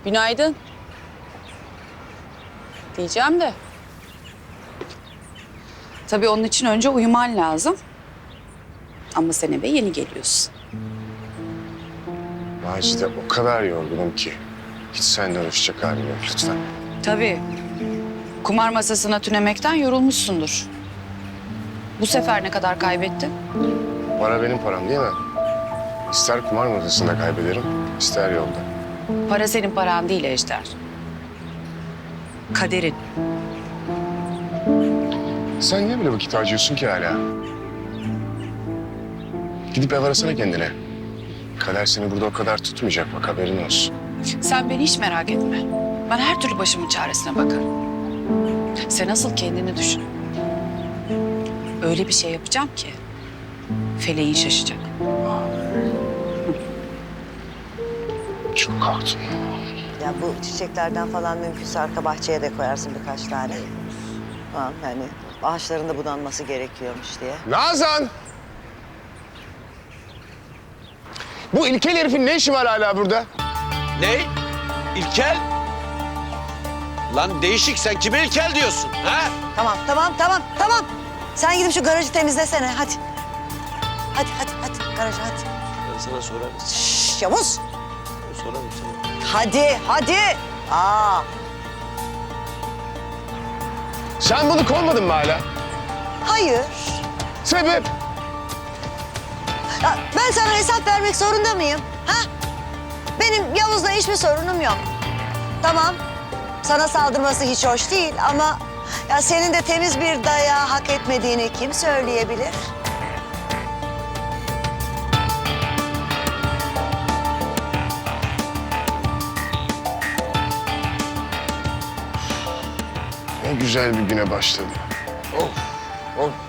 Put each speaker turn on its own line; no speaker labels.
Günaydın. Diyeceğim de. Tabii onun için önce uyuman lazım. Ama sen eve yeni geliyorsun.
Macide o kadar yorgunum ki. Hiç senden hoşça halim yok lütfen.
Tabii. Kumar masasına tünemekten yorulmuşsundur. Bu sefer ne kadar kaybettin?
Para benim param değil mi? İster kumar masasında kaybederim, ister yolda.
Para senin paran değil Ejder. Kaderin.
Sen niye böyle vakit harcıyorsun ki hala? Gidip ev arasana kendine. Kader seni burada o kadar tutmayacak bak, haberin olsun.
Sen beni hiç merak etme. Ben her türlü başımın çaresine bakarım. Sen asıl kendini düşün. Öyle bir şey yapacağım ki feleğin şaşacak.
Çok korktum.
Ya bu çiçeklerden falan mümkünse arka bahçeye de koyarsın birkaç tane. Tamam yani ağaçların da budanması gerekiyormuş diye.
Nazan! Bu ilkel herifin ne işi var hala burada?
Ne? İlkel? Lan değişik, sen kime ilkel diyorsun ha?
Tamam. Sen gidip şu garajı temizlesene hadi. Hadi garajı hadi.
Ben sana sorarım.
Şşş Yavuz.
Sorarım sana.
Hadi. Aa.
Sen bunu kovmadın mı hala?
Hayır.
Sebep?
Ya ben sana hesap vermek zorunda mıyım? Ha? Benim Yavuz'la hiçbir sorunum yok. Tamam. Sana saldırması hiç hoş değil ama ya senin de temiz bir dayağı hak etmediğini kim söyleyebilir?
Ne güzel bir güne başladı. Of.